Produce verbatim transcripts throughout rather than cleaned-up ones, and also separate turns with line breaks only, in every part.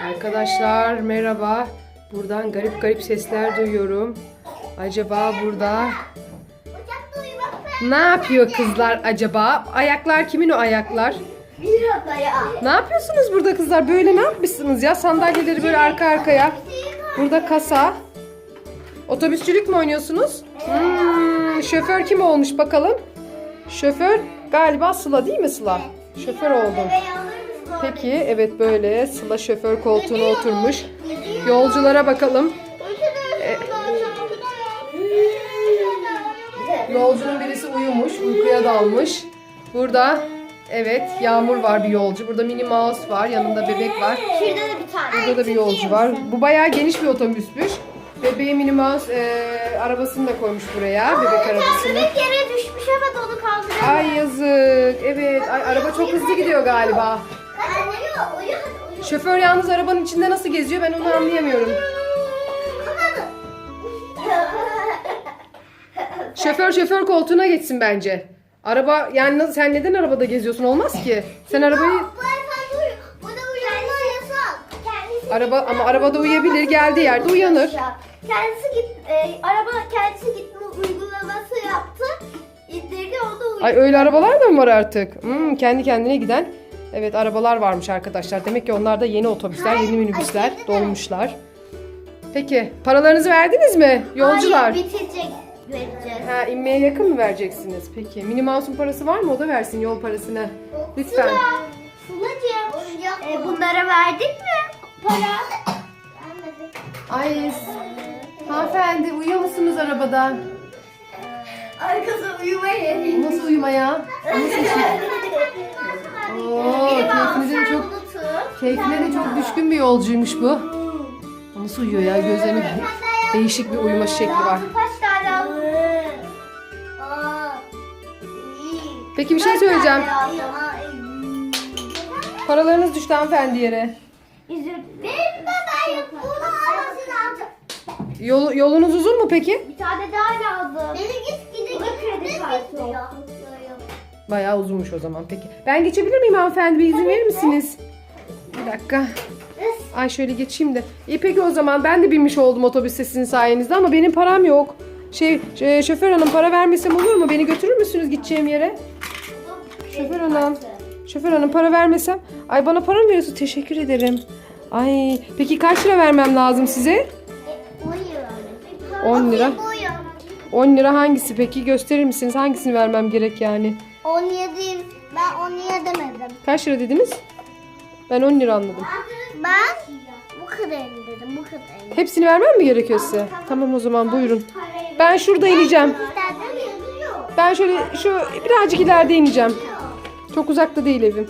Arkadaşlar merhaba. Buradan garip garip sesler duyuyorum. Acaba burada ne yapıyor kızlar acaba? Ayaklar kimin o ayaklar? Ne yapıyorsunuz burada kızlar? Böyle ne yapmışsınız ya? Sandalyeleri böyle arka arkaya. Burada kasa. Otobüsçülük mü oynuyorsunuz? Hmm, şoför kim olmuş bakalım? Şoför galiba Sıla değil mi Sıla? Şoför oldum. Peki evet böyle Sıla şoför koltuğuna oturmuş. Yolculara bakalım. Ee, yolcunun birisi uyumuş, uykuya dalmış. Burada evet Yağmur var bir yolcu. Burada Minnie Mouse var, yanında bebek var.
Şurada da bir tane.
Burada da bir yolcu var. Bu bayağı geniş bir otobüsmüş. Bebeği Minnie Mouse e, arabasını da koymuş buraya, bebek arabasını.
Bebek yere düşmüş ama onu kaldırıyor.
Ay yazık. Evet, ay, araba çok hızlı gidiyor galiba. Şoför yalnız arabanın içinde nasıl geziyor ben onu anlayamıyorum. Şoför şoför koltuğuna geçsin bence. Araba yani nasıl, sen neden arabada geziyorsun olmaz ki. Sen arabayı araba ama arabada uyuyabilir, geldiği yerde uyanır.
Kendisi git e, araba kendisi gitme uygulaması yaptı. İndirdi o da uyudu.
Ay öyle arabalar da mı var artık? Hmm, kendi kendine giden. Evet arabalar varmış arkadaşlar. Demek ki onlar da yeni otobüsler, yeni minibüsler dolmuşlar. Peki paralarınızı verdiniz mi yolcular?
Hayır, bitecek vereceğiz.
Ha, inmeye yakın mı vereceksiniz? Peki. Minnie Mouse'un parası var mı? O da versin yol parasını. Lütfen.
Sıla, Sıla'cığım e, bunlara verdik mi para?
Ay hanımefendi uyuyor musunuz arabada?
Arkası uyuma yeri.
Nasıl uyumaya? Nasıl şey? Oo, keyfine de çok, keyfine de çok düşkün bir yolcuymuş bu. Nasıl uyuyor ya? Gözlerinin değişik bir uyuma şekli var.
Kaç tane aldın?
Peki bir şey söyleyeceğim. Paralarınız düştü hanımefendi yere.
Benim bebeğim bunu almasın alacağım.
Yol, yolunuz uzun mu peki?
Bir tane daha lazım. Beni git gidin. Bu da kredi kartı.
Bayağı uzunmuş o zaman peki. Ben geçebilir miyim hanımefendi? Bir izin verir misiniz? Bir dakika. Ay şöyle geçeyim de. İyi peki o zaman ben de binmiş oldum otobüste sizin sayenizde ama benim param yok. Şey, şey şoför hanım para vermesem olur mu? Beni götürür müsünüz gideceğim yere? Şoför hanım. Şoför hanım para vermesem. Ay bana para mı veriyorsun? Teşekkür ederim. Ay peki kaç lira vermem lazım size? on lira. on lira hangisi peki? Gösterir misiniz? Hangisini vermem gerek yani?
on yedi. Ben on yedi demedim.
Kaç lira dediniz? Ben on lira anladım.
Ben bu kadarını dedim. Bu kadarını.
Hepsini vermem mi gerekiyor size? Tamam o zaman buyurun. Ben şurada ineceğim. Ben şöyle şu birazcık ileride ineceğim. Çok uzakta değil evim.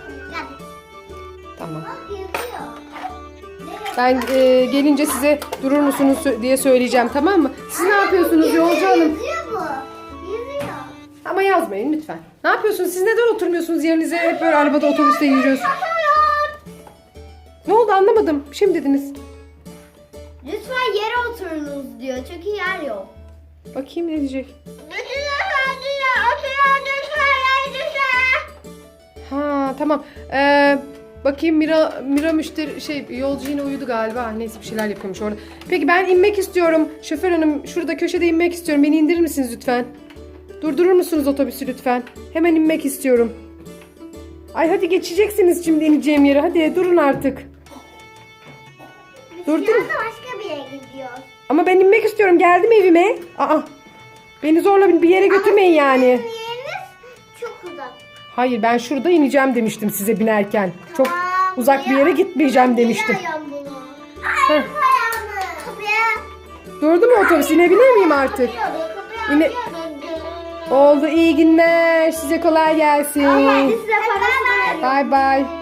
Tamam. Ben e, gelince size durur musunuz diye söyleyeceğim tamam mı? Siz ne yapıyorsunuz yolcu hanım? Ama yazmayın lütfen. Ne yapıyorsunuz? Siz neden oturmuyorsunuz yerinize? Hep böyle arabada otobüste yürüyoruz. Ne oldu anlamadım. Bir şey mi dediniz?
Lütfen yere oturunuz diyor. Çünkü yer yok.
Bakayım ne diyecek. Ha tamam. Ee, bakayım Mira Mira müşteri şey yolcu yine uyudu galiba. Neyse bir şeyler yapıyormuş orada. Peki ben inmek istiyorum. Şoför hanım şurada köşede inmek istiyorum. Beni indirir misiniz lütfen? Durdurur musunuz otobüsü lütfen? Hemen inmek istiyorum. Ay hadi geçeceksiniz şimdi ineceğim yere. Hadi durun artık. Durdum.
Başka bir yere gidiyor.
Ama ben inmek istiyorum. Geldim evime. Aa. Beni zorla bir yere götürmeyin yani.
Yeriniz çok uzak.
Hayır ben şurada ineceğim demiştim size binerken. Çok
Tamam,
uzak bir yere
ya.
gitmeyeceğim demiştim.
Biliyorum bunu. Hayır,
Heh.
kapıya.
Durdu mu otobüs? İnebilir miyim artık?
Kapıya
Yine- Oldu iyi günler. Size kolay gelsin.
Hadi size parası verelim.
Bay bay.